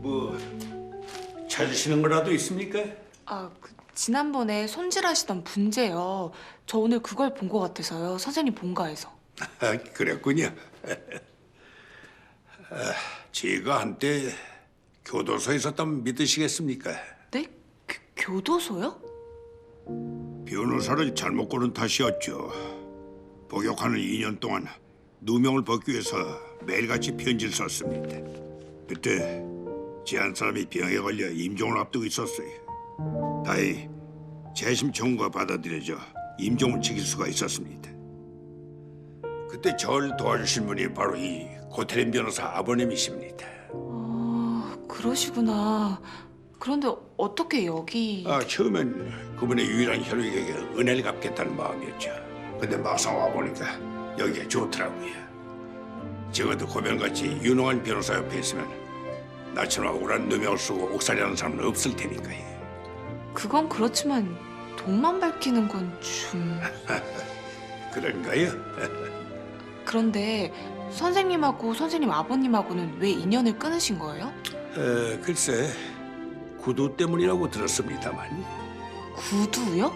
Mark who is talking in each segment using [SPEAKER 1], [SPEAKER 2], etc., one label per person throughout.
[SPEAKER 1] 뭐 찾으시는 거라도 있습니까?
[SPEAKER 2] 지난번에 손질하시던 분재요. 저 오늘 그걸 본 것 같아서요. 선생님 본가에서.
[SPEAKER 1] 아, 그랬군요. 제가 한때 교도소에 있었다면 믿으시겠습니까?
[SPEAKER 2] 네? 교도소요?
[SPEAKER 1] 변호사를 잘못 고른 탓이었죠. 복역하는 2년 동안 누명을 벗기 위해서 매일같이 편지를 썼습니다. 그때 제 한 사람이 병에 걸려 임종을 앞두고 있었어요. 다행히 재심 청구가 받아들여져 임종을 지킬 수가 있었습니다. 그때 저를 도와주신 분이 바로 이 고태림 변호사 아버님이십니다.
[SPEAKER 2] 그러시구나. 그런데 어떻게 여기...
[SPEAKER 1] 처음엔 그분의 유일한 혈육에게 은혜를 갚겠다는 마음이었죠. 근데 막상 와보니까 여기가 좋더라고요. 적어도 고변같이 유능한 변호사 옆에 있으면 나처럼 억울한 누명을 쓰고 옥살이하는 사람은 없을 테니까요.
[SPEAKER 2] 그건 그렇지만 돈만 밝히는 건 좀...
[SPEAKER 1] 그런가요?
[SPEAKER 2] 그런데 선생님하고 선생님 아버님하고는 왜 인연을 끊으신 거예요?
[SPEAKER 1] 글쎄, 구두 때문이라고 들었습니다만.
[SPEAKER 2] 구두요?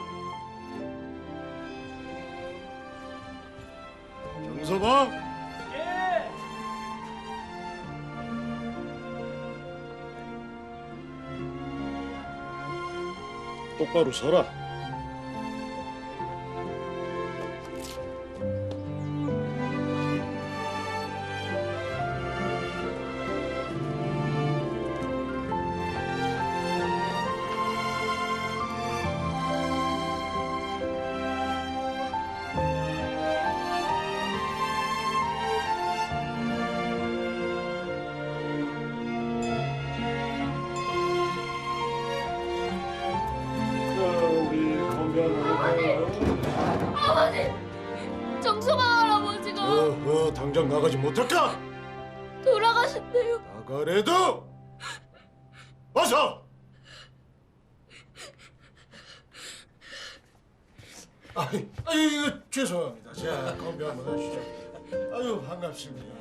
[SPEAKER 3] 정서방!
[SPEAKER 4] 예!
[SPEAKER 3] 똑바로 서라. 우리 건강하게.
[SPEAKER 5] 아버지! 정서방 할아버지가
[SPEAKER 3] 당장 나가지 못할까?
[SPEAKER 5] 돌아가신대요.
[SPEAKER 3] 나가래도! 어서! 이거 죄송합니다. 자, 건배 한번 하시죠. 아유, 반갑습니다.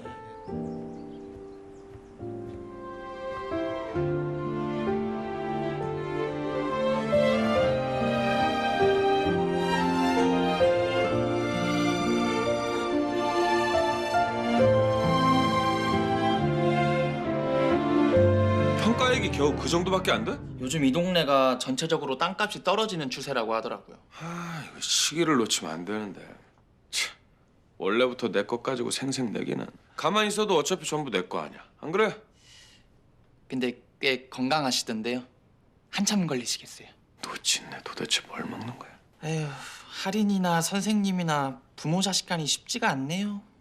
[SPEAKER 6] 평가액이 겨우 그 정도밖에 안 돼?
[SPEAKER 4] 요즘 이 동네가 전체적으로 땅값이 떨어지는 추세라고 하더라고요.
[SPEAKER 6] 이거 시기를 놓치면 안 되는데. 참, 원래부터 내 것 가지고 생색 내기는. 가만히 있어도 어차피 전부 내 거 아니야. 안 그래?
[SPEAKER 4] 근데 꽤 건강하시던데요. 한참 걸리시겠어요.
[SPEAKER 6] 놓친네 도대체 뭘 먹는 거야?
[SPEAKER 4] 에휴, 할인이나 선생님이나 부모 자식 간이 쉽지가 않네요.